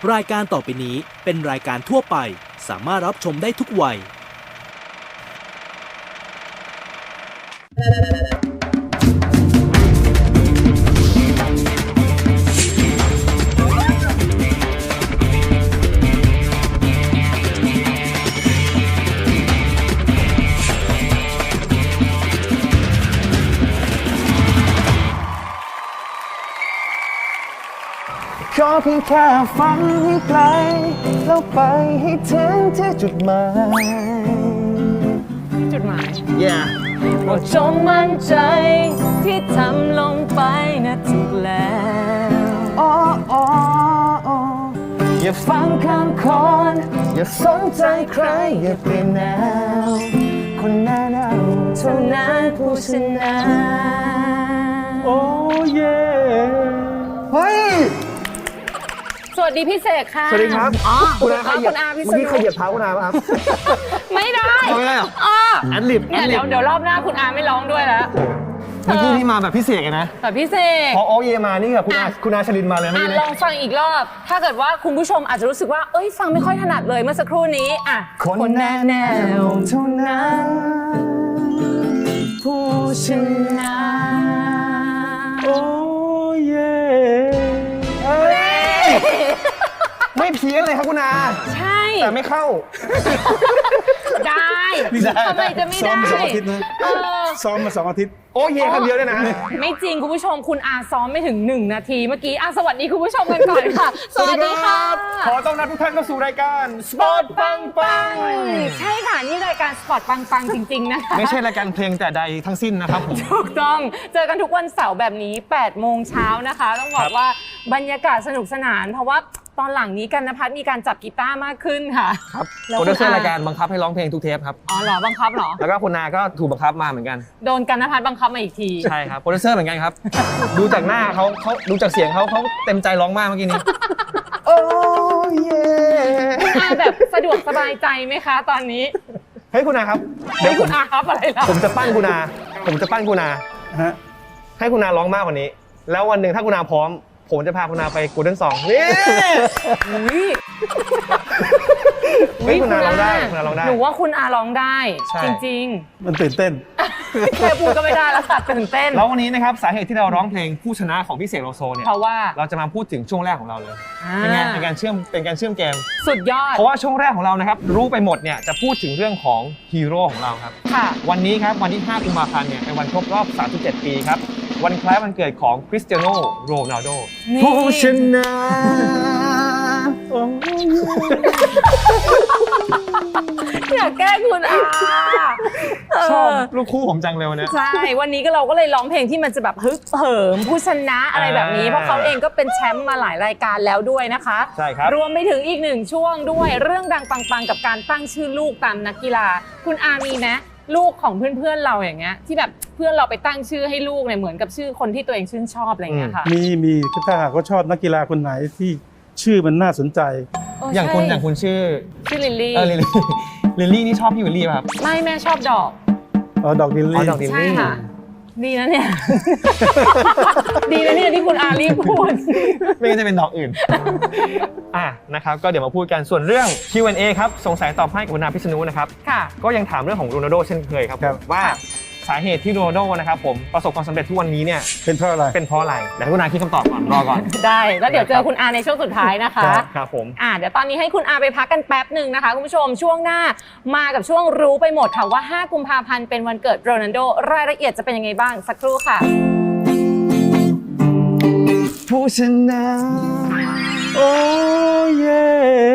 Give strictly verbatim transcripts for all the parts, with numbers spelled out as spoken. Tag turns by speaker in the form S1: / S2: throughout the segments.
S1: รายการต่อไปนี้เป็นรายการทั่วไปสามารถรับชมได้ทุกวัย
S2: ขอเพียงแค่ฝันให้ไกลแล้วไปให้ถึงที่จุดหมาย
S3: จุดหมาย
S2: yeah
S3: โปรดจงมั่นใจที่ทำลงไปนะถูกแล้ว
S2: โอ้โอ้โอ้อย่าฟังคำคนอย่าสนใจใครอย่าเปลี่ยนแนวคนหน้าหนาวเท่านั้นผู้ชนะโอ้เย่เฮ้ย
S3: สวัสดีพี่เสกค่ะ
S2: สวัสดีครับ
S3: อ๋อ
S2: คุณอาขยับ
S3: คุณอาพี่
S2: เมื่อกี้ขยับเท้าคุณอาป่ะครับ
S3: ไม่ได้
S2: ไม่ได้หรอแอนลิป
S3: เนี่ยเดี๋ยวเดี๋ยวรอบหน้าคุณอาไม่ร้องด้วยแล้ว
S2: เมื่อกี้นี่มาแบบพิเศษนะ
S3: แบบพิเศษ
S2: พอโอเยมานี่กับคุณอาคุณอาชลินมาเลยเมื่อกี้
S3: ลองฟังอีกรอบถ้าเกิดว่าคุณผู้ชมอาจจะรู้สึกว่าเอ้ยฟังไม่ค่อยถนัดเลยเมื่อสักครู่นี้อ่ะ
S2: คนแน่แน่เท่านั้นผู้ชนะโอ้เย่ไม่เพี้ยนเลยครับคุณอา
S3: ใช่
S2: แต่ไม่เข้า
S3: ได้ทำไมจะไม่ได้ซ้อม
S4: มาสองอาทิตย์นะซ้อมมาสองอาทิตย์
S2: โอ้เย่คำเดียวเลยนะ
S3: ไม่จริงคุณผู้ชมคุณอาซ้อมไม่ถึงหนึ่งนาทีเมื่อกี้อาสวัสดีคุณผู้ชมกันก่อนค่ะสวัสดีค่ะ
S2: ขอต้อนรับทุกท่านเข้าสู่รายการสปอร์ตปังปัง
S3: ใช่ค่ะนี่รายการสปอร์ตปังปังจริงๆนะคะ
S2: ไม่ใช่รายการเพลงแต่ใดทั้งสิ้นนะครับผม
S3: ถูกต้องเจอกันทุกวันเสาร์แบบนี้แปดโมงเช้านะคะต้องบอกว่าบรรยากาศสนุกสนานเพราะว่าตอนหลังนี้กันนภัสมีการจับกีตาร์มากขึ้นค่ะ
S2: ครับโปรดิวเซอร์รายการบังคับให้ร้องเพลงทุกเทปครับ
S3: อ๋อเหรอบังคับเหรอ
S2: แล้วก็คุณนาก็ถูกบังคับมาเหมือนกัน
S3: โดนกันนภัสบังคับมาอีกที
S2: ใช่ครับโปรดิวเซอร์เหมือนกันครับดูจากหน้าเขาเขาดูจากเสียงเขาเขาเต็มใจร้องมากเมื่อกี้นี้โอ้เย่
S3: คุณอาแบบสะดวกสบายใจไหมคะตอนนี้
S2: เฮ้ยคุณนาครับ
S3: เดี๋ยวคุณอาครับอะไรล่ะ
S2: ผมจะปั้นคุณนาผมจะปั้นคุณนาฮะให้คุณนาร้องมากกว่านี้แล้ววันหนึ่งถ้าคุณนาพร้อมผมจะพาคุณนาไปกูเดิลสองนี่อุ้ยคุณนาร้องได้คุณนาร้องได้
S3: หนูว่าคุณอาร้องได้จริง
S4: ๆมันตื่นเต้น
S3: แค่พูดก็ไม่ได้แล้วค่ะตื่นเต้น
S2: แล้ววันนี้นะครับสาเหตุที่เราร้องเพลงผู้ชนะของพี่เสกโลโซเนี่ย
S3: เพราะว่า
S2: เราจะมาพูดถึงช่วงแรกของเราเลยเป็นไงเป็นการเชื่อมเป็นการเชื่อมเกม
S3: สุดยอด
S2: เพราะว่าช่วงแรกของเรานะครับรู้ไปหมดเนี่ยจะพูดถึงเรื่องของฮีโร่ของเราครับ
S3: ค่ะ
S2: วันนี้ครับวันที่ห้ากุมภาพันธ์เนี่ยเป็นวันครบรอบสามสิบเจ็ดปีครับวันคล้ายวันเกิดของคริสเตียโนโรนัลโดผู้ชนะ
S3: อยากแก้คุณอา
S2: ชอบลูกคู่ผมจังเลยวันนี้
S3: ใช่วันนี้ก็เราก็เลยร้องเพลงที่มันจะแบบฮึกเหิมผู้ชนะอะไรแบบนี้เพราะเขาเองก็เป็นแชมป์มาหลายรายการแล้วด้วยนะคะ
S2: ใช่ครับ
S3: รวมไปถึงอีกหนึ่งช่วงด้วยเรื่องดังปังๆกับการตั้งชื่อลูกตามนักกีฬาคุณอามีไหมลูกของเพื่อนๆเราอย่างเงี้ยที่แบบเพื่อนเราไปตั้งชื่อให้ลูกเนี่ยเหมือนกับชื่อคนที่ตัวเองชื่นชอบอะไรเงี้ยค่ะ
S4: มีมีถ้าหากเขาชอบนักกีฬาคนไหนที่ชื่อมันน่าสนใจ
S2: อย่างคุณอย่างคุณชื่อ
S3: ชื่อลิลลี่
S2: เออลิลลี่ลิลลี่นี่ชอบพี่วิลลี่ป่ะครับ
S3: ไม่แม่ชอบดอก
S4: อ๋อดอกลิลลี่
S2: ดอกลิลลี่
S3: ใช่ค่ะดีนะเนี่ยดีนะเนี่ยที่คุณอารีพูด
S2: ไม่งั้นจะเป็นดอกอื่นอ่ะนะครับก็เดี๋ยวมาพูดกันส่วนเรื่อง คิว แอนด์ เอ ครับสงสัยตอบให้กับคุณอาพิษณุนะครับ
S3: ค่ะ
S2: ก็ยังถามเรื่องของโรนัลโดเช่นเคยครับว่าสาเหตุที่โรนัลโดนะครับผมประสบความสำเร็จทุกวันนี้เนี่ย
S4: เป็นเพราะอะไร
S2: เป็นเพราะอะไรเดี๋ยวคุณอาคิดคำตอบก่อนรอก่อน
S3: ได้แล้วเดี๋ยวเจอคุณอาในช่วงสุดท้ายนะคะ
S2: ครับผม
S3: อ่ะเดี๋ยวตอนนี้ให้คุณอาไปพักกันแป๊บหนึ่งนะคะคุณผู้ชมช่วงหน้ามากับช่วงรู้ไปหมดค่ะว่าห้ากุมภาพันธ์เป็นวันเกิดโรนัลโดรายละเอียดจะเป็นยังไงบ้างสักครู่ค่ะ
S2: ผู้ชนะโอ้เย่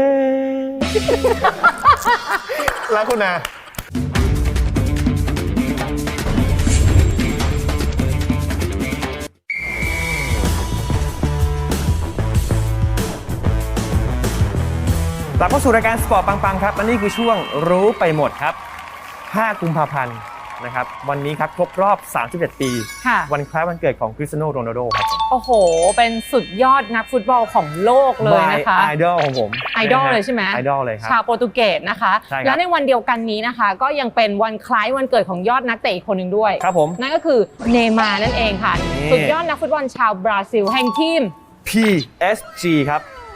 S2: แล้วคุณอากลับเข้าสู่รายการสปอร์ตปังๆครับและนี่คือช่วงรู้ไปหมดครับห้ากุมภาพันธ์นะครับวันนี้ครับครบรอบสามสิบเอ็ดปีวันคล้ายวันเกิดของคริสเตียโนโรนัลโดครับ
S3: โอ้โหเป็นสุดยอดนักฟุตบอลของโลกเลยนะคะ
S2: ไอดอลของผม
S3: ไอดอลเลยใช่ไหม
S2: ไอดอลเลยครับ
S3: ชาวโปรตุเกสนะคะแล้วในวันเดียวกันนี้นะคะก็ยังเป็นวันคล้ายวันเกิดของยอดนักเตะอีกคนหนึ่งด้วย
S2: ครับผม
S3: นั่นก็คือเนย์มาร์นั่นเองค่ะสุดยอดนักฟุตบอลชาวบราซิลแห่งทีม
S2: พี เอส จี ครับ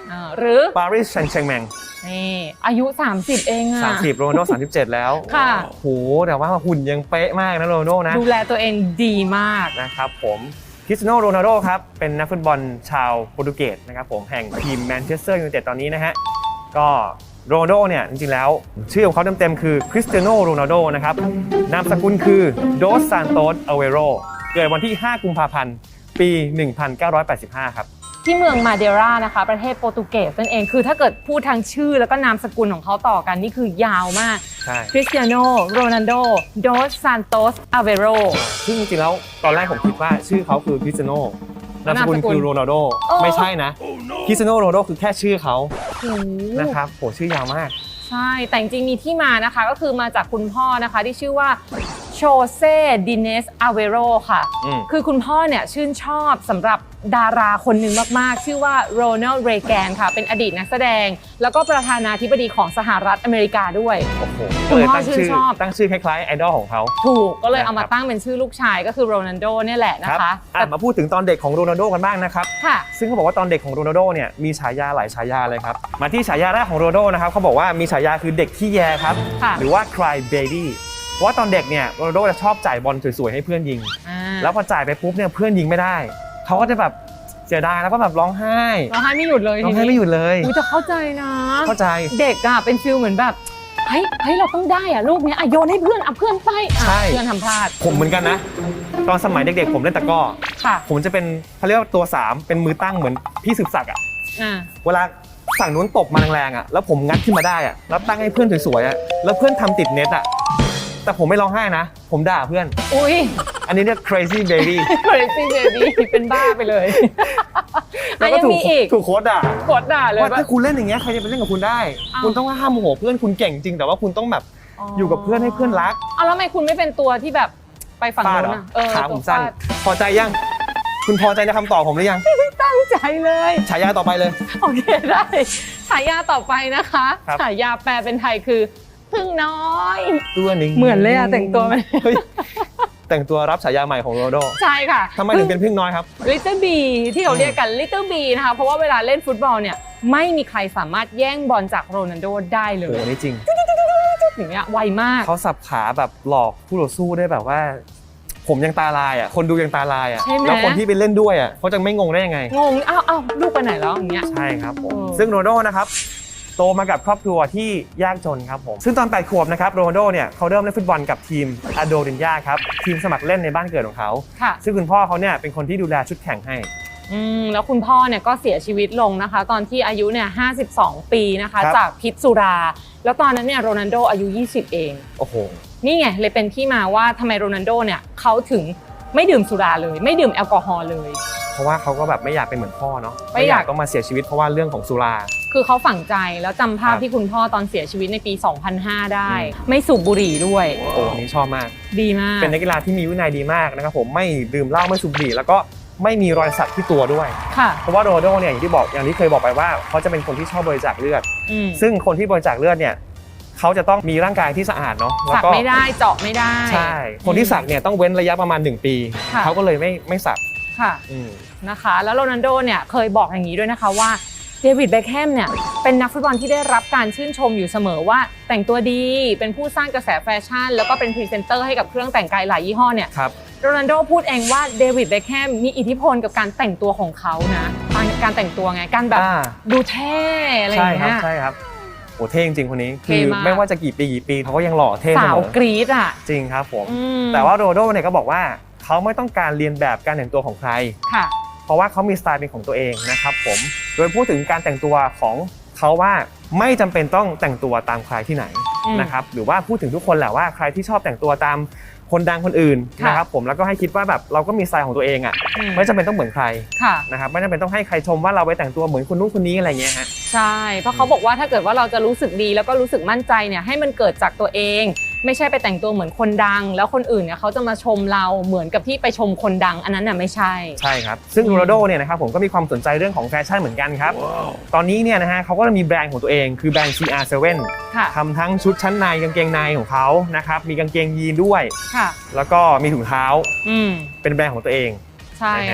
S3: อ่าหรือ
S2: ปารีสแซงต์แชร์แมง
S3: นี่อายุ สามสิบ เองอะ
S2: สามสิบโรนัลโดสามสิบเจ็ดแล้ว
S3: ค่ะ
S2: โหแต่ว่าหุ่นยังเป๊ะมากนะโรนัลโดนะ
S3: ดูแลตัวเองดีมาก
S2: นะครับผมคริสเตียโนโรนัลโดครับเป็นนักฟุตบอลชาวโปรตุเกสนะครับผมแห่งทีมแมนเชสเตอร์ยูไนเต็ดตอนนี้นะฮะก็โรนัลโดเนี่ยจริงๆแล้วชื่อของเขาเต็มๆคือคริสเตียโนโรนัลโดนะครับนามสกุลคือโดสซานโตสอเวโรเกิดวันที่ห้ากุมภาพันธ์ปีหนึ่งพันเก้าร้อยแปดสิบห้าครับ
S3: ที่เมืองมาเดรานะคะประเทศโปรตุเกสนั่นเองคือถ้าเกิดพูดทางชื่อแล้วก็นามสกุลของเขาต่อกันนี่คือยาวมาก
S2: ใช่
S3: คริสเตียโนโรนัลโดโดสซานโตสอเวโร
S2: ซึ่งจริงๆแล้วตอนแรกผมคิดว่าชื่อเขาคือคริสเตียโนนามสกุลคือโรนัลโดไม่ใช่นะคริสเตียโนโรนัลโดคือแค่ชื่อเขานะครับโหชื่อยาวมาก
S3: ใช่แต่จริงๆมีที่มานะคะก็คือมาจากคุณพ่อนะคะที่ชื่อว่าโชเซ่ดิเนสอาเวโรค่ะคือคุณพ่อเนี่ยชื่นชอบสำหรับดาราคนหนึ่งมากๆชื่อว่าโรนัลด์ เรแกนค่ะเป็นอดีตนักแสดงแล้วก็ประธานาธิบดีของสหรัฐอเมริกาด้วย
S2: โอ้โห
S3: คุณพ่อชื่นชอบ
S2: ตั้งชื่อคล้ายๆไอดอลของเขา
S3: ถูกก็เลยเอามาตั้งเป็นชื่อลูกชายก็คือโรนัลโดเนี่ยแหละนะคะ
S2: แต่มาพูดถึงตอนเด็กของโรนัลโดกันบ้างนะครับ
S3: ค่ะ
S2: ซึ่งเขาบอกว่าตอนเด็กของโรนัลโดเนี่ยมีฉายาหลายฉายาเลยครับมาที่ฉายาแรกของโรนัลโดนะครับเขาบอกว่ามีฉายาคือเด็กขี้แยครับหรือว่า cry baby เพราะว่าตอนเด็กเนี่ยโรนัลโดจะชอบจ่ายบอลสวยๆให้เพื่อนยิงแล้วพอจ่ายไปปุ๊บเนี่ยเพื่อนยิงไม่ได้เขาก็จะแบบเสียดายแล้วก็แบบร้องไห้
S3: ร้องไห้ไม่หยุดเลย
S2: ร้องไห้ไม่หยุดเลย
S3: อุ้ยแต่เข้าใจนะ
S2: เข้าใจ
S3: เด็กอะเป็นฟิลเหมือนแบบเฮ้ยเฮ้ยเราต้องได้อะลูกเนี้ยโยนให้เพื่อนเอาเพื่อนไปเพื่อนทำพลาด
S2: ผมเหมือนกันนะตอนสมัยเด็กๆผมเล่นตะก้อผมจะเป็นเขาเรียกว่าตัวสามเป็นมือตั้งเหมือนพี่สืบศักดิ์อะเวลาฝั่งนู้นตบมาแรงๆอะแล้วผมงัดขึ้นมาได้อะแล้วตั้งให้เพื่อนสวยๆอะแล้วเพื่อนทำติดเน็ตอะแต่ผมไม่ร้องไห้นะผมด่าเพื่อน
S3: อุ้ย
S2: อันนี้เรียก crazy baby
S3: crazy baby เป็นบ้าไปเลย
S2: แล้วก็ถูกถูกโค้ดด่า
S3: โค้ดด่าเลย
S2: ว่าถ้าคุณเล่นอย่างเงี้ยใครจะไปเล่นกับคุณได้คุณต้องห้ามโมโหเพื่อนคุณเก่งจริงแต่ว่าคุณต้องแบบอยู่กับเพื่อนให้เพื่อนรัก
S3: เอาแล้วทำไมคุณไม่เป็นตัวที่แบบไปฝั่งนู้นอ่ะ
S2: เออขาผมสั้นพอใจยังคุณพอใจในคำตอบผมหรือยัง
S3: ตั้งใจเลย
S2: ฉายาต่อไปเลย
S3: โอเคได้ฉายาต่อไปนะคะฉายาแปลเป็นไทยคือพึ่งน้อย
S2: ตัวหนึ่ง
S3: เหมือนเลยอะแต่งตัวมัน
S2: แต่งตัวรับฉายาใหม่ของโรนัลโด
S3: ใช่ค่ะ
S2: ทำไมถึงเป็นพึ่งน้อยครับ
S3: Little B ที่เขาเรียกกัน Little B นะคะเพราะว่าเวลาเล่นฟุตบอลเนี่ยไม่มีใครสามารถแย่งบอลจากโรนัลโดได้เลย
S2: โอ้นี่จริง
S3: อย่างเงี้ยไวมาก
S2: เขาสับขาแบบหลอกผู้ต่อสู้ได้แบบว่าผมยังตาลายอ่ะคนดูยังตาลายอ่ะแล้วคนที่ไปเล่นด้วยอ่ะเขาจะไม่งงได้ยังไง
S3: งงอ้าวอ้าวลูกไปไหนแล้วอย่างเงี้ย
S2: ใช่ครับผมซึ่งโรนัลโดนะครับโตมากับครอบครัวที่ยากจนครับผมซึ่งตอนแปดขวบนะครับโรนัลโดเนี่ยเขาเริ่มเล่นฟุตบอลกับทีมอาโดรินญาครับทีมสมัครเล่นในบ้านเกิดของเขาซึ่งคุณพ่อเขาเนี่ยเป็นคนที่ดูแลชุดแข่งให้
S3: อืมแล้วคุณพ่อเนี่ยก็เสียชีวิตลงนะคะตอนที่อายุเนี่ยห้าสิบสองปีนะคะจากพิษสุราแล้วตอนนั้นเนี่ยโรนัลโดอายุยี่สิบเอง
S2: โอ้โห
S3: นี่ไงเลยเป็นที่มาว่าทำไมโรนัลโดเนี่ยเขาถึงไม่ดื่มสุราเลยไม่ดื่มแอลกอฮอล์เลย
S2: เพราะว่าเขาก็แบบไม่อยากเป็นเหมือนพ่อเนาะไม่อยากต้องมาเสียชีวิตเพราะว่าเรื่องของสุรา
S3: คือเขาฝังใจแล้วจำภาพที่คุณพ่อตอนเสียชีวิตในปีสองพันห้าได้ไม่สูบบุหรี่ด้วย
S2: โอ้นี่ชอบมาก
S3: ดีมาก
S2: เป็นนักกีฬาที่มีวินัยดีมากนะครับผมไม่ดื่มเหล้าไม่สูบบุหรี่แล้วก็ไม่มีรอยสักที่ตัวด้วย
S3: ค่ะ
S2: เพราะว่าโรนัลโดเนี่ยอย่างที่บอกอย่างที่เคยบอกไปว่าเขาจะเป็นคนที่ชอบบริจาคเลือดซึ่งคนที่บริจาคเลือดเนี่ยเขาจะต้องมีร่างกายที่สะอาดเนาะ
S3: สักไม่ได้เจาะไม่ได้
S2: ใช่คนที่สักเนี่ยต้องเว้นระยะประมาณหนึ่งปีเขาก็เลยไม่ไม่สัก
S3: ค่ะนะคะแล้วโรนัลโดเนี่ยเคยบอกอย่างนี้ด้วยนะคะว่าเดวิดเบ็คแฮมเนี่ยเป็นนักฟุตบอลที่ได้รับการชื่นชมอยู่เสมอว่าแต่งตัวดีเป็นผู้สร้างกระแสแฟชั่นแล้วก็เป็นพรีเซนเตอร์ให้กับเครื่องแต่งกายหลายยี่ห้อเนี่ยโรนัลโดพูดเองว่าเดวิดเบ็คแฮมมีอิทธิพลกับการแต่งตัวของเขานะการแต่งตัวไงการแบบดูเท่อะไรอย่างเงี้ย
S2: ใช่ครับโอ้เท่จริงคนนี้คือไม่ว่าจะกี่ปีกี่ปีเขาก็ยังหล่อเท่เสมอสาว
S3: กรี๊ดอ่ะ
S2: จริงครับผมแต่ว่าโรนัลโดเนี่ยก็บอกว่าเขาไม่ต้องการเรียนแบบการแต่งตัวของใคร
S3: ค่ะ
S2: เพราะว่าเขามีสไตล์เป็นของตัวเองนะครับผมโดยพูดถึงการแต่งตัวของเขาว่าไม่จำเป็นต้องแต่งตัวตามใครที่ไหนนะครับหรือว่าพูดถึงทุกคนแหละว่าใครที่ชอบแต่งตัวตามคนดังคนอื่นนะครับผมแล้วก็ให้คิดว่าแบบเราก็มีสไตล์ของตัวเองอ่ะไม่จำเป็นต้องเหมือนใครนะครับไม่จำเป็นต้องให้ใครชมว่าเราไปแต่งตัวเหมือนคนนู้นคนนี้อะไรเงี้ยฮะ
S3: ใช่เพราะเขาบอกว่าถ้าเกิดว่าเราจะรู้สึกดีแล้วก็รู้สึกมั่นใจเนี่ยให้มันเกิดจากตัวเองไม่ใช่ไปแต่งตัวเหมือนคนดังแล้วคนอื่นเนี่ยเขาจะมาชมเราเหมือนกับที่ไปชมคนดังอันนั้นน่ะไม่ใช่
S2: ใช่ครับซึ่งโรนัลโดเนี่ยนะครับผมก็มีความสนใจเรื่องของแฟชั่นเหมือนกันครับ wow. ตอนนี้เนี่ยนะฮะเขาก็มีแบรนด์ของตัวเองคือแบรนด์ ซี อาร์ เซเว่น ทำทั้งชุดชั้นในกางเกงในของเขานะครับมีกางเกงยีนด้วยแล้วก็มีถุงเท้าเป็นแบรนด์ของตัวเอง
S3: ใช่ค่ะ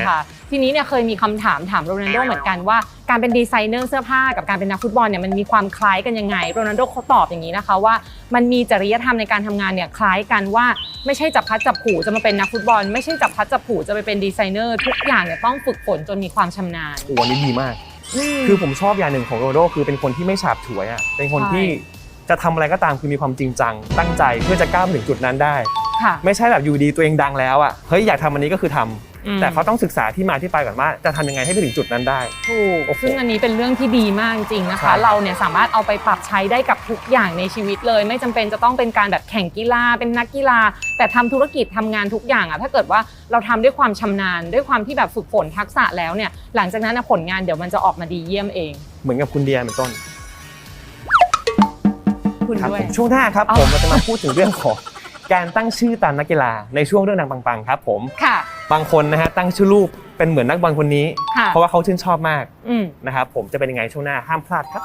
S3: ทีนี้เนี่ยเคยมีคำถามถามโรนัลโดเหมือนกันว่าการเป็นดีไซเนอร์เสื้อผ้ากับการเป็นนักฟุตบอลเนี่ยมันมีความคล้ายกันยังไงโรนัลโดเขาตอบอย่างนี้นะคะว่ามันมีจริยธรรมในการทำงานเนี่ยคล้ายกันว่าไม่ใช่จับพลัดจับผลูจะมาเป็นนักฟุตบอลไม่ใช่จับพลัดจับผลูจะไปเป็นดีไซเนอร์ทุกอย่างเนี่ยต้องฝึกฝนจนมีความชำนาญ
S2: โอ้โหนี่ดีมากคือผมชอบอย่างหนึ่งของโรนัลโดคือเป็นคนที่ไม่ฉาบฉวยอ่ะเป็นคนที่จะทำอะไรก็ตามคือมีความจริงจังตั้งใจเพื่อจะก้าวไปถึงจุดนั้นได้ไม่ใช่แบบอยู่ดีตัวเองดังแล้วอ่ะเฮ้ยอยากทำอันนี้ก็คือทำแต่เขาต้องศึกษาที่มาที่ไปก่อนว่าจะทำยังไงให้ไปถึงจุดนั้นได้
S3: ถูกซึ่งอันนี้เป็นเรื่องที่ดีมากจริงนะคะเราเนี่ยสามารถเอาไปปรับใช้ได้กับทุกอย่างในชีวิตเลยไม่จำเป็นจะต้องเป็นการแบบแข่งกีฬาเป็นนักกีฬาแต่ทำธุรกิจทำงานทุกอย่างอ่ะถ้าเกิดว่าเราทำด้วยความชำนาญด้วยความที่แบบฝึกฝนทักษะแล้วเนี่ยหลังจากนั้นผลงานเดี๋ยวมันจะออกมาดีเยี่ยมเอง
S2: เหมือนกับคุณเดียเป็นต้น
S3: คุณด้วย
S2: ช่วงหน้าครับผมเราจะมาพูดถึงเรื่องของการตั้งชื่อตามนักกีฬาในช่วงเรื่องดังปังๆครับผม
S3: ค่ะ
S2: บางคนนะฮะตั้งชื่อลูกเป็นเหมือนนักบอลคนนี้เพราะว่าเขาชื่นชอบมากนะครับผมจะเป็นยังไงช่วงหน้าห้ามพลาดครับ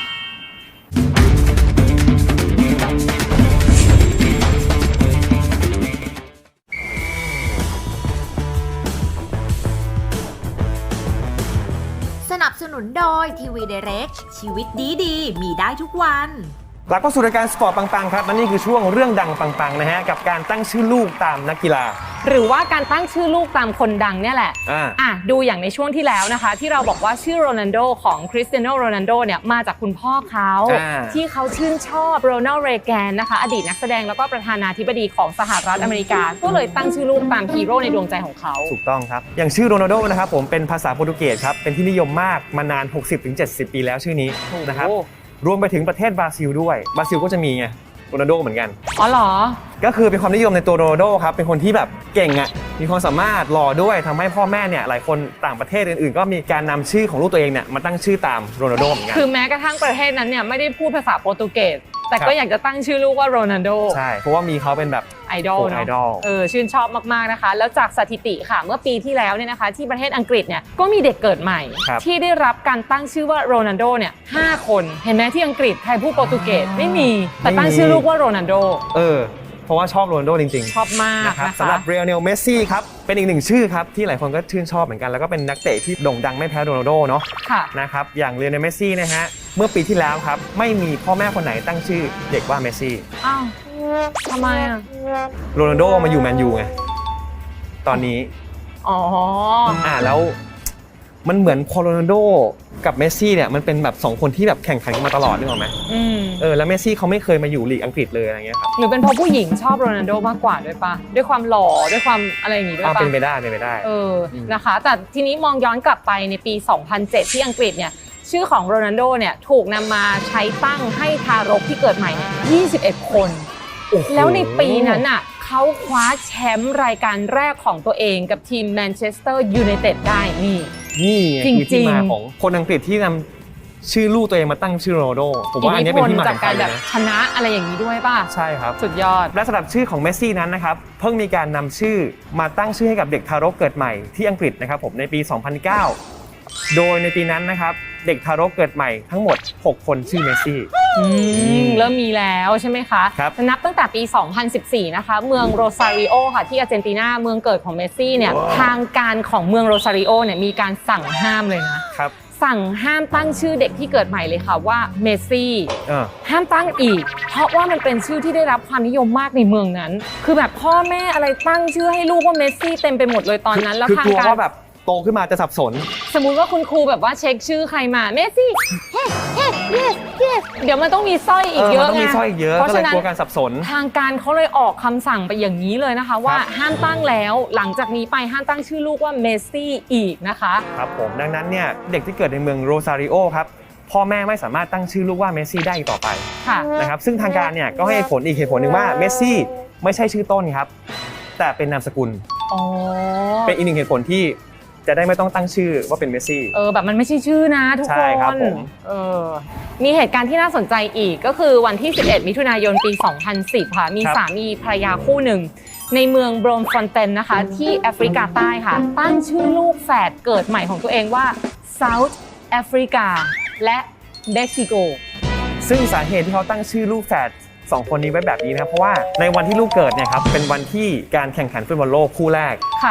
S5: สนับสนุนโดยทีวีไดเรกชีวิตดีๆมีได้ทุกวัน
S2: กลับเข้าสู่รายการสปอร์ตปังๆครับและนี่คือช่วงเรื่องดังปังๆนะฮะกับการตั้งชื่อลูกตามนักกีฬา
S3: หรือว่าการตั้งชื่อลูกตามคนดังเนี่ยแหละอ่าอ่ะดูอย่างในช่วงที่แล้วนะคะที่เราบอกว่าชื่อโรนัลโดของคริสเตียโนโรนัลโดเนี่ยมาจากคุณพ่อเขาที่เขาชื่นชอบโรนัลด์เรแกนนะคะอดีตนักแสดงแล้วก็ประธานาธิบดีของสหรัฐอเมริกาก็เลยตั้งชื่อลูกตามฮีโร่ในดวงใจของเขา
S2: ถูกต้องครับอย่างชื่อโรนัลโดนะครับผมเป็นภาษาโปรตุเกสครับเป็นที่นิยมมากมานาน หกสิบถึงเจ็ดสิบ ปีแล้วชื่อนี้นะครับรวมไปถึงประเทศบราซิลด้วยบราซิลก็จะมีไงโรนัลโดเหมือนกัน
S3: อ๋อเหรอ
S2: ก็คือเป็นความนิยมในตัวโรนัลโดครับเป็นคนที่แบบเก่งอ่ะมีความสามารถหล่อด้วยทำให้พ่อแม่เนี่ยหลายคนต่างประเทศอื่นๆก็มีการนำชื่อของลูกตัวเองเนี่ยมาตั้งชื่อตามโรนัลโดเหมือนกัน
S3: คือแม้กระทั่งประเทศนั้นเนี่ยไม่ได้พูดภาษาโปรตุเกสแต่ก็อยากจะตั้งชื่อลูกว่าโรนัลโด
S2: ใช่เพราะว่ามีเขาเป็นแบบ
S3: ไอดอลเนาะเออชื่นชอบมากๆนะคะแล้วจากสถิติค่ะเมื่อปีที่แล้วเนี่ยนะคะที่ประเทศอังกฤษเนี่ยก็มีเด็กเกิดใหม่ที่ได้รับการตั้งชื่อว่าโรนัลโดเนี่ยห้าคนเห็นไหมที่อังกฤษใครพูดโปรตุเกสไม่มีแต่ตั้งชื่อลูกว่าโรนัลโด
S2: เออเพราะว่าชอบโรนัลโดจริง
S3: ๆชอบมากนะคะ
S2: สำหรับเรียลเนลเมสซี่ครับเป็นอีกหนึ่งชื่อครับที่หลายคนก็ชื่นชอบเหมือนกันแล้วก็เป็นนักเตะที่โด่งดังไม่แพ้โรนัลโดเนาะนะครับอย่างเรียลเนลเมสซี่นะฮะเมื่อปีที่แล้วครับไม่มีพ่อแม่คนไหนตั้งชื่อเด็กว่าเมสซี่
S3: อ้าวทำไมอ่ะ
S2: โรนัลโดมาอยู่แมนยูไงตอนนี้
S3: อ๋อ
S2: อ่าแล้วมันเหมือนพอโรนัลโดกับเมสซี่เนี่ยมันเป็นแบบสองคนที่แบบแข่งขันกันมาตลอดนึกออกไหมเออแล้วเมสซี่เขาไม่เคยมาอยู่ลีกอังกฤษเลยอะไรเงี้ยครับ
S3: หรือเป็นเพราะผู้หญิงชอบโรนัลโดมากกว่าด้วยปะด้วยความหล่อด้วยความอะไรอย่างงี้ด้วยปะ
S2: เป็นไปได้เป็นไปได้
S3: เออนะคะแต่ทีนี้มองย้อนกลับไปในปีสองพันเจ็ดที่อังกฤษเนี่ยชื่อของโรนัลโดเนี่ยถูกนำมาใช้ตั้งให้ทารกที่เกิดใหม่ยี่สิบเอ็ดคนแล้วในปีนั้นอ่ะเขาคว้าแชมป์รายการแรกของตัวเองกับทีมแมนเชสเตอร์ยูไนเต็ดได้นี่
S2: นี่คือที่มาของคนอังกฤษที่นำชื่อลูกตัวเองมาตั้งชื่อโรนัลโดผมว่าอันนี้เป็นที่มา
S3: จากการแบบชนะอะไรอย่างนี้ด้วยป่ะ
S2: ใช่ครับ
S3: สุดยอด
S2: และสำหรับชื่อของเมสซี่นั้นนะครับเพิ่งมีการนำชื่อมาตั้งชื่อให้กับเด็กทารกเกิดใหม่ที่อังกฤษนะครับผมในปีสองพันเก้าโดยในปีนั้นนะครับเด็กทารกเกิดใหม่ทั้งหมดหกคนชื่อเมสซี่
S3: เริ่มมีแล้วใช่ไหมคะนับตั้งแต่ปีสองพันสิบสี่นะคะเมืองโรซาริโอค่ะที่อาร์เจนตินาเมืองเกิดของเมสซี่เนี่ยทางการของเมืองโรซาริโอเนี่ยมีการสั่งห้ามเลยนะครับสั่งห้ามตั้งชื่อเด็กที่เกิดใหม่เลยค่ะว่าเมสซี่ห้ามตั้งอีกเพราะว่ามันเป็นชื่อที่ได้รับความนิยมมากในเมืองนั้นคือแบบพ่อแม่อะไรตั้งชื่อให้ลูกว่าเมสซี่เต็มไปหมดเลยตอนนั้นแล้วทางการ
S2: แบบโตขึ้นมาจะสับสน
S3: สมมุติว่าคุณครูแบบว่าเช็คชื่อใครมาเมสซี่เฮ้เฮ้เยสเยสเดี๋ยวมันต้องมีสร้อยอีกเยอะไง
S2: ต้องมีสร้อยอีกเยอะก็เลยกลัวการสับสน
S3: ทางการเขาเลยออกคำสั่งไปอย่างนี้เลยนะคะว่าห้ามตั้งแล้วหลังจากนี้ไปห้ามตั้งชื่อลูกว่าเมสซี่อีกนะคะ
S2: ครับผมดังนั้นเนี่ยเด็กที่เกิดในเมืองโรซาริโอครับพ่อแม่ไม่สามารถตั้งชื่อลูกว่าเมสซี่ได้อีกต่อไปนะครับซึ่งทางการเนี่ยก็ให้ผลอีกเหตุผลหนึ่งว่าเมสซี่ไม่ใช่ชื่อต้นครับแต่เป็นนามสกุลเป็นอีกหนึ่งเหตุผลที่จะได้ไม่ต้องตั้งชื่อว่าเป็นเมสซี่
S3: เออแบบมันไม่ใช่ชื่อนะทุกคน
S2: ใช่ครับผม
S3: เออมีเหตุการณ์ที่น่าสนใจอีกก็คือวันที่สิบเอ็ดมิถุนายนปีสองพันสิบค่ะมีสามีภรรยาคู่หนึ่งในเมืองโบรมฟอนเตนนะคะที่แอฟริกาใต้ค่ะตั้งชื่อลูกแฝดเกิดใหม่ของตัวเองว่า South Africa และเม็กซิโก
S2: ซึ่งสาเหตุที่เขาตั้งชื่อลูกแฝดสองคนนี้ไว้แบบนี้นะครับเพราะว่าในวันที่ลูกเกิดเนี่ยครับเป็นวันที่การแข่งขันฟุตบอลโลกคู่แรก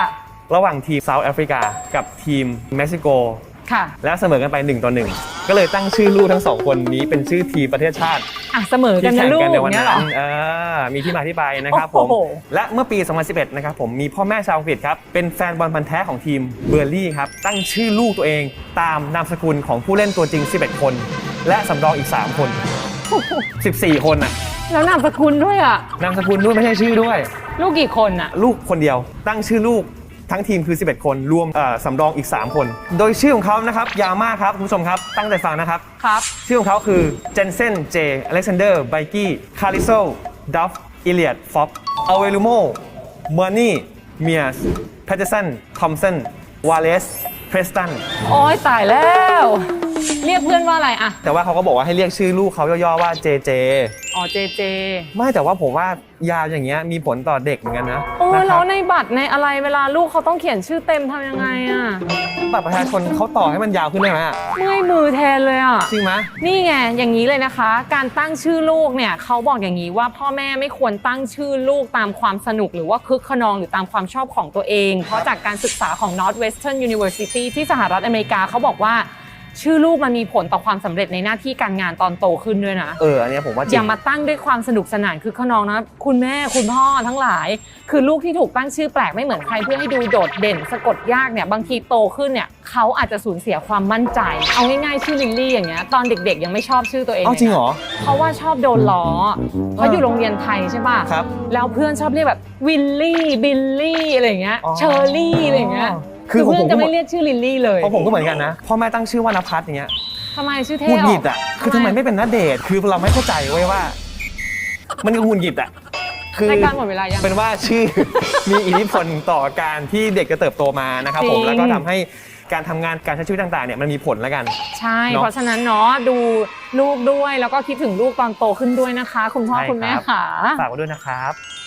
S6: ระหว่างทีมเซาท์แอฟริกากับทีมเม็กซิโก
S3: ค่ะ
S6: และเสมอกันไปหนึ่งต่อหนึ่งก็เลยตั้งชื่อลูกทั้งสองคนนี้เป็นชื่อทีมประเทศชาติ
S3: อ่ะเสมอกัน
S6: ที่
S3: นะ
S6: แข่ง
S3: ลูก
S6: กันในวัน
S3: เนี้ย
S6: นั้
S3: เหรอน
S6: เออมีที่มาที่ไปนะครับผม
S3: โอ้โห
S6: และเมื่อปี สองพันสิบเอ็ด นะครับผมมีพ่อแม่ชาวอังกฤษครับเป็นแฟนบอลพันธุ์แท้ของทีมเบอร์ลี่ครับตั้งชื่อลูกตัวเองตามนามสกุลของผู้เล่นตัวจริงสิบเอ็ดคนและสำรองอีกสามคนสิบสี่คนน่ะ
S3: แล้วนามสกุลด้วยอ่ะ
S6: นามสกุลด้วยไม่ใช่ชื่อด้วย
S3: ลูกกี่คนอ่ะ
S6: ลูกคนเดียวตั้งชื่อลูกทั้งทีมคือสิบเอ็ดคนรวมเอ่อสำรองอีกสามคนโดยชื่อของเขานะครับยาวมากครับคุณผู้ชมครับตั้งใจฟังนะครับ
S3: ครับ
S6: ชื่อของเขาคือเจนเซนเจอเล็กซานเดอร์ไบกี้คาริโซดัฟอิเลียดฟ็อกอเวลูโมเมอร์นี่เมียสแพตเทอร์สันทอมสันวาเลสเพรสตัน
S3: โอ้ยตายแล้ว เรียกเพื่อนว่าอะไรอ่ะ
S6: แต่ว่าเขาก็บอกว่าให้เรียกชื่อลูกเขาย่อๆว่าเจเจ
S3: อ๋อเจเจ
S6: ไม่แต่ว่าผมว่ายาวอย่างเงี้ยมีผลต่อเด็กเหมือนกันนะ
S3: โอ้
S6: นะค
S3: แล้
S6: รั
S3: ว
S6: บ
S3: ในบัตรในอะไรเวลาลูกเขาต้องเขียนชื่อเต็มทำยังไงอ่ะ
S6: บัตรประชาชนเขาต่อให้มันยาวขึ้นได้ไหมอะ
S3: เมื่อยมือแทนเลยอ่ะ
S6: จริงไหม
S3: นี่ไงอย่างนี้เลยนะคะ การตั้งชื่อลูกเนี่ยเขาบอกอย่างนี้ว่าพ่อแม่ไม่ควรตั้งชื่อลูกตามความสนุกหรือว่าคึกขนองหรือตามความชอบของตัวเอง เพราะจากการศึกษาของ Northwestern University ที่สหรัฐอเมริกาเขาบอกว่าชื่อลูกมันมีผลต่อความสำเร็จในหน้าที่การงานตอนโตขึ้นด้วยนะ
S6: เอออันเนี้ยผมว่าจริ
S3: อง ย่ามาตั้งด้วยความสนุกสนานคือขนองนะคุณแม่คุณพ่อทั้งหลาย คือลูกที่ถูกตั้งชื่อแปลกไม่เหมือนใครเพื่อให้ดูโดดเด่นสะกดยากเนี่ยบางทีโตขึ้นเนี่ยเขาอาจจะสูญเสียความมั่นใจเอาง่ายๆชื่อลิลลี่อย่างเงี้ยตอนเด็กๆยังไม่ชอบชื่อตัวเอง
S6: เอ้าจริงเหรอ
S3: เพราะว่าชอบโดนล้อเพราะอยู่โรงเรียนไทยใช่ป่ะ
S6: ครับ
S3: แล้วเพื่อนชอบเรียกแบบวิลลี่บิลลี่อะไรอย่างเงี้ย
S6: อ๋อ
S3: เชอร์รี่อะไรอย่างเงี้ย
S6: คื
S3: คือ อ
S6: ผม
S3: เพื่อน
S6: ผม
S3: จะไม่เรียกชื่อลิลลี่เลย
S6: เพราะผมก็เหมือนกันนะพ่อแม่ตั้งชื่อว่านภัสอย่างเงี้ย
S3: ทำไมชื่อเท่
S6: หงุดหงิด
S3: อ
S6: อ่ะคือทำไมไม่เป็นณเดชน์คือเราไม่เข้าใจเว้ยว่า มันก็หงุดหงิดอ่ะคือ
S3: รายการหมดเวลายัง
S6: เป็นว่าชื่อ มีอิทธิพลต่อการที่เด็กจะเติบโตมานะครับผม
S3: จริง
S6: แล้วก็ทำให้การทำงานการใช้ชีวิตต่างๆเนี่ยมันมีผลแล้วกัน
S3: ใช่
S6: เนอะ
S3: เพราะฉะนั้นเนาะดูลูกด้วยแล้วก็คิดถึงลูกตอนโตขึ้นด้วยนะคะ คุณพ่อ
S6: ใช่
S3: คุณแม่
S6: ครับ
S3: ค่ะ
S6: ฝากไว้ด้วยนะครับ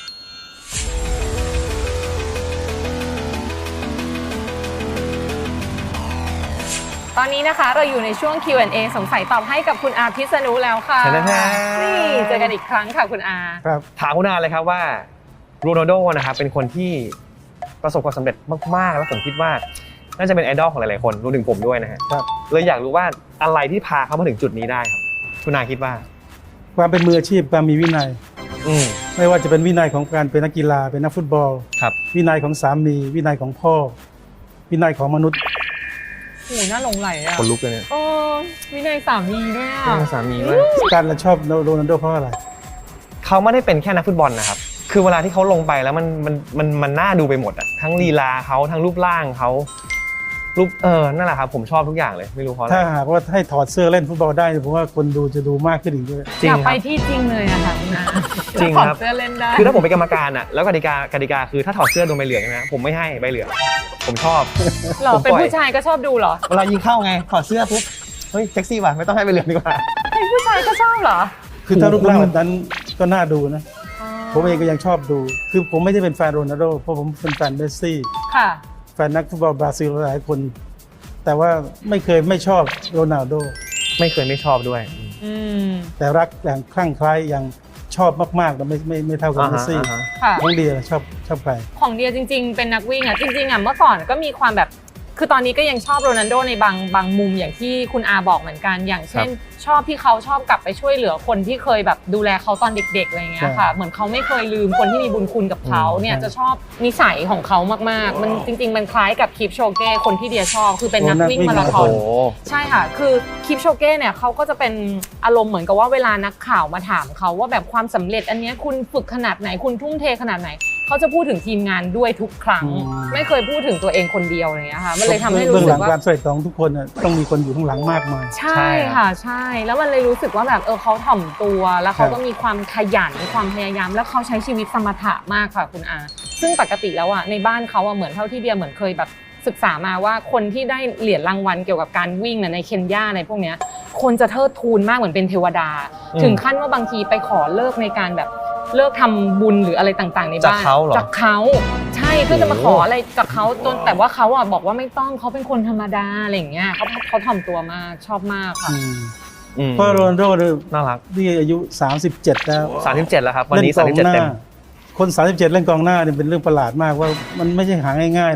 S3: ตอนนี้นะคะเราอยู่ในช่วง คิว แอนด์ เอ สงสัยตอบให้กับคุณอาพิษณุแล้วค่ะ
S6: เชิญเลยครับ
S3: นี่เจอกันอีกครั้งค่ะคุณอา
S4: ครับ
S6: ถามคุณอาเลยครับว่าโรนัลโดนะครับเป็นคนที่ประสบความสำเร็จมากๆแล้วผมคิดว่าน่าจะเป็นไอดอลของหลายๆคนรวมถึงผมด้วยนะฮะ
S4: ครับ
S6: เลยอยากรู้ว่าอะไรที่พาเขามาถึงจุดนี้ได้ครับคุณอาคิดว่า
S4: ความเป็นมืออาชีพความมีวินัย
S6: อืม
S4: ไม่ว่าจะเป็นวินัยของการเป็นนักกีฬาเป็นนักฟุตบอล
S6: ครับ
S4: วินัยของสามี วินัยของพ่อ วินัยของมนุษย์
S3: โอ้โหน่าหลงไหลอ่ะ
S6: คนลุกเลยเนี่ย
S3: โอ้วินัยสามีด้วยอ่ะ
S6: เรื่องสามีด้วย
S4: การเราชอบโรนัลโดเพราะอะไร
S6: เขาไม่ได้เป็นแค่นักฟุตบอลนะครับคือเวลาที่เขาลงไปแล้วมันมันมันมันน่าดูไปหมดอะทั้งลีลาเขาทั้งรูปร่างเขารูปเออนั่นแหละครับผมชอบทุกอย่างเลยไม่รู้เพราะอะไร
S4: ถ้าหากว่าให้ถอดเสื้อเล่นฟุตบอลได้ผมว่าคนดูจะดูมากขึ้นอีกด้วย
S6: จริ
S3: อง ยาก
S6: ค
S3: ไป
S6: รับ
S3: ที่จริงเลยอะค่ะคุณอา
S6: จริงครับ
S3: ถอดเสื้อเล่นได้
S6: คือถ้าผมเป็นกรรมการอะแล้วกติกากติกาคือถ้าถอดเสื้อโดนใบเหลืองใช่ไหมผมไม่ให้ใบเหลืองผมชอบ
S3: เหรอ
S6: ผม
S3: เป็น
S6: ปล่อย
S3: ผู้ชายก็ชอบดูเหรอ
S6: เวลายิงเข้าไงถอดเสื้อปุ๊บเฮ้ยเซ็กซี่ว่ะไม่ต้องให้ใบเหลืองดีกว่า
S3: เป็นผู้ชายก็ชอบเหรอ
S4: คือถ้ารูปร่างแบบนั้นก็น่าดูนะ ผมเองก็ยังชอบดู คือผมไม่ได้เป็นแฟนโรนัลโดเพราะผมเป็นแฟนเมสซี่
S3: ค่ะ
S4: แฟนนักฟุตบอลบราซิลหลายคน แต่ว่าไม่เคยไม่ชอบโรนัลโด
S6: ไม่เคยไม่ชอบด้วย
S3: อืม
S4: แต่รักอย่างคลั่งไคล้อย่างชอบมากๆแต่ไม่ไม่ไม่เท่ากับ
S6: อ่า
S4: เม
S6: ฮะ
S4: สซี่
S6: อ่าฮะ
S3: ค่ะ
S4: น้องเดียชอบชอบใคร
S3: ของเดียจริงๆ เป็นนักวิ่งอ่ะจริงๆอ่ะเมื่อก่อนก็มีความแบบคือตอนนี้ก็ยังชอบโรนัลโดในบางบางมุมอย่างที่คุณอาบอกเหมือนกัน อย่างเช่น ชอบที่เขาชอบกลับไปช่วยเหลือคนที่เคยแบบดูแลเขาตอนเด็กๆอะไรเงี้ยค่ะเหมือนเขาไม่เคยลืมคนที่มีบุญคุณกับเขาเนี่ยจะชอบนิสัยของเขามากๆมันจริงๆมันคล้ายกับคิปโชเก้คนที่เดียชอบคือเป็นนักวิ่งมาราธ
S6: โอ้
S3: อน
S6: โห
S3: ใช่ค่ะ คือคิปโชเก้เนี่ยเขาก็จะเป็นอารมณ์เหมือนกับว่าเวลานักข่าวมาถามเขาว่าแบบความสำเร็จอันเนี้ยคุณฝึกขนาดไหนคุณทุ่มเทขนาดไหนเขาจะพูดถึงทีมงานด้วยทุกครั้ง
S4: อืม
S3: ไม่เคยพูดถึงตัวเองคนเดียวอะไรเงี้ยค่ะมันเลยทำให้รู้
S4: เบื้อง
S3: สึ
S4: หลั
S3: ก
S4: ง
S3: ว่า
S4: ความสำเร็จของทุกคนน่ะต้องมีคนอยู่ข้างหลังมากมาย
S3: ใช่ค่ะใช่ แล้วมันเลยรู้สึกว่าแบบเออเขาถ่อมตัวแล้วเขา
S4: ครับ
S3: ก็มีความขยันความพยายามแล้วเขาใช้ชีวิตสมถะมากค่ะคุณอาซึ่งปกติแล้วอ่ะในบ้านเขาอ่ะเหมือนเท่าที่เดียเหมือนเคยแบบศึกษามาว่าคนที่ได้เหรียญรางวัลเกี่ยวกับการวิ่งน่ะในเคนยาในพวกเนี้ยคนจะเทิดทูนมากเหมือนเป็นเทวดา
S6: อืม
S3: ถึงขั้นว่าบางทีไปขอเลิกในการแบบเลิกทำบุญหรืออะไรต่างๆในบ้าน
S6: จากเขาเหรอ
S3: จากเขาใช่เพื่อจะมาขออะไรจากเขาจนแต่ว่าเขาอ่ะบอกว่าไม่ต้องเขาเป็นคนธรรมดาอะไรอย่างเงี้ยเขาเขาถ่อมตัวมากชอบมากค่ะ
S4: อืม
S6: อืม
S4: เพราะโรนัลโดเนี่ย
S6: น่ารัก
S4: นี่อายุสามสิบเจ็ดแล้ว
S6: สามสิบเจ็ดแล้วครับวัน
S4: เล่น
S6: นี้
S4: ก
S6: สา
S4: อ
S6: มสิ
S4: ง
S6: บเจ็ด
S4: หน้า
S6: เต็ม
S4: คนสามสิบเจ็ดเล่นกองหน้าเนี่ยเป็นเรื่องประหลาดมากว่ามันไม่ใช่หาง่ายๆนะ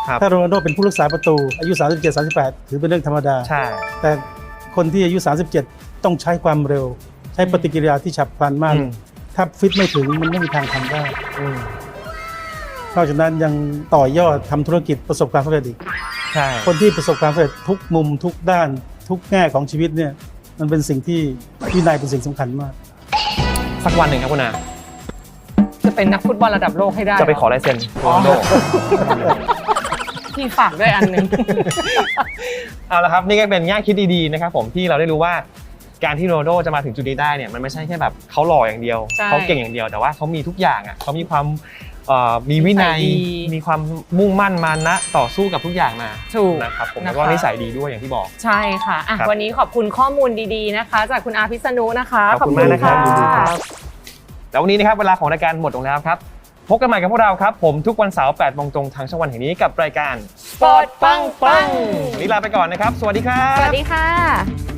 S6: ครับ
S4: ถ้าโรนัลโดเป็นผู้รักษาประตูอายุสามสิบเจ็ด สามสิบแปดถือเป็นเรื่องธรรมดา
S6: ใช่
S4: แต่คนที่อายุสามสิบเจ็ดต้องใช้ความเร็ว ใช้ปฏิกิริยาที่ฉับพลันมาก
S6: อืม
S4: ถ้าฟิตไม่ถึงมันไม่มีทางทำได้
S6: อืม
S4: นอกจากนั้นยังต่อยอดทำธุรกิจประสบความสำเร็จอีก
S6: ใช่
S4: คนที่ประสบความสำเร็จทุกมุมทุกด้านทุกแง่ของชีวิตเนี่ยมันเป็นสิ่งที่วินัยเป็นสิ่งสำคัญมาก
S6: สักวันหนึ่งครับคุณอา
S3: จะเป็นนักฟุตบอลระดับโลกให้ได้
S6: จะไปขอลายเซ็นโรนัลโด
S3: พี่ฝากด้วยอันหนึง
S6: เอาละครับนี่ก็เป็นแง่คิดดีๆนะครับผมที่เราได้รู้ว่าการที่โรนัลโดจะมาถึงจุดนี้ได้เนี่ยมันไม่ใช่แค่แบบเขาหล่ออย่างเดียว
S3: ใช่
S6: เขาเก่งอย่างเดียวแต่ว่าเขามีทุกอย่างอ่ะเขามีความเอ่อมีวินัย
S3: นิสัยดี
S6: มีความมุ่งมั่นมานะต่อสู้กับทุกอย่างมา
S3: ถูก
S6: นะครับผม
S3: นะคะ
S6: แล้วก็นิสัยดีด้วยอย่างที่บอก
S3: ใช่ค่ะอ่ะ
S6: ครับ
S3: วันนี้ขอบคุณข้อมูลดีๆนะคะ จากคุณอาพิษณุนะคะ
S6: ขอบคุณมากนะครับ
S3: ขอ
S6: ยินดี
S3: ณ
S6: ครับ แล้ววันนี้นะครับเวลาของรายการหมดลงแล้วครับพบกันใหม่กับพวกเราครับผมทุกวันเสาร์แปดโมงตรงทางช่องวันแห่งนี้กับรายการ
S3: สปอร์ตปังปัง
S6: วันนี้ลาไปก่อนนะครับสวัสดีครับ
S3: สวัสดีค่ะ